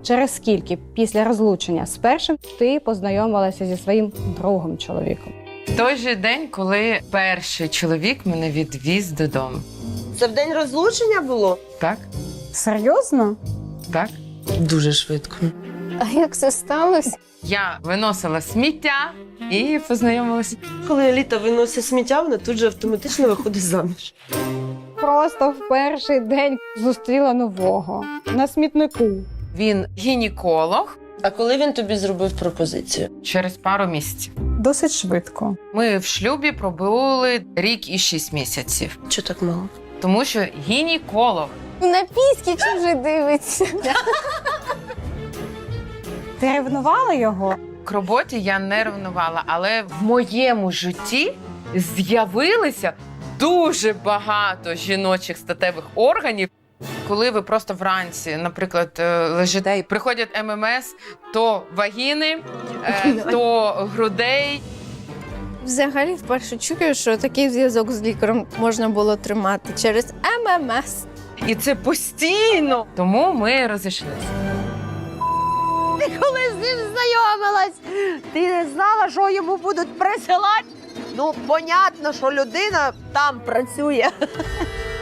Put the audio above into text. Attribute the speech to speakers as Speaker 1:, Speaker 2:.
Speaker 1: Через скільки після розлучення з першим ти познайомилася зі своїм другим чоловіком?
Speaker 2: В той же день, коли перший чоловік мене відвіз додому.
Speaker 3: Це в день розлучення було?
Speaker 2: Так?
Speaker 1: Серйозно?
Speaker 2: Так?
Speaker 3: Дуже швидко.
Speaker 4: А як це сталося?
Speaker 2: Я виносила сміття і познайомилася.
Speaker 3: Коли Еліта виносить сміття, вона тут же автоматично виходить заміж.
Speaker 1: Просто в перший день зустріла нового на смітнику.
Speaker 2: Він гінеколог
Speaker 3: А коли він тобі зробив пропозицію?
Speaker 2: через пару місяців.
Speaker 1: Досить швидко.
Speaker 2: Ми в шлюбі пробули рік і 6 місяців.
Speaker 3: Чого так мало?
Speaker 2: Тому що гінеколог.
Speaker 4: На піськи чи вже дивиться?
Speaker 1: Ти ревнувала його?
Speaker 2: К роботі я не ревнувала, але в моєму житті з'явилося дуже багато жіночих статевих органів. Коли ви просто вранці, наприклад, лежите і приходять ММС, то вагіни, то грудей.
Speaker 4: Взагалі, вперше чую, що такий зв'язок з лікарем можна було тримати через ММС.
Speaker 2: І це постійно. Тому ми розійшлися.
Speaker 5: Коли з ним знайомилась, ти не знала, що йому будуть присилати? Ну, понятно, що людина там працює.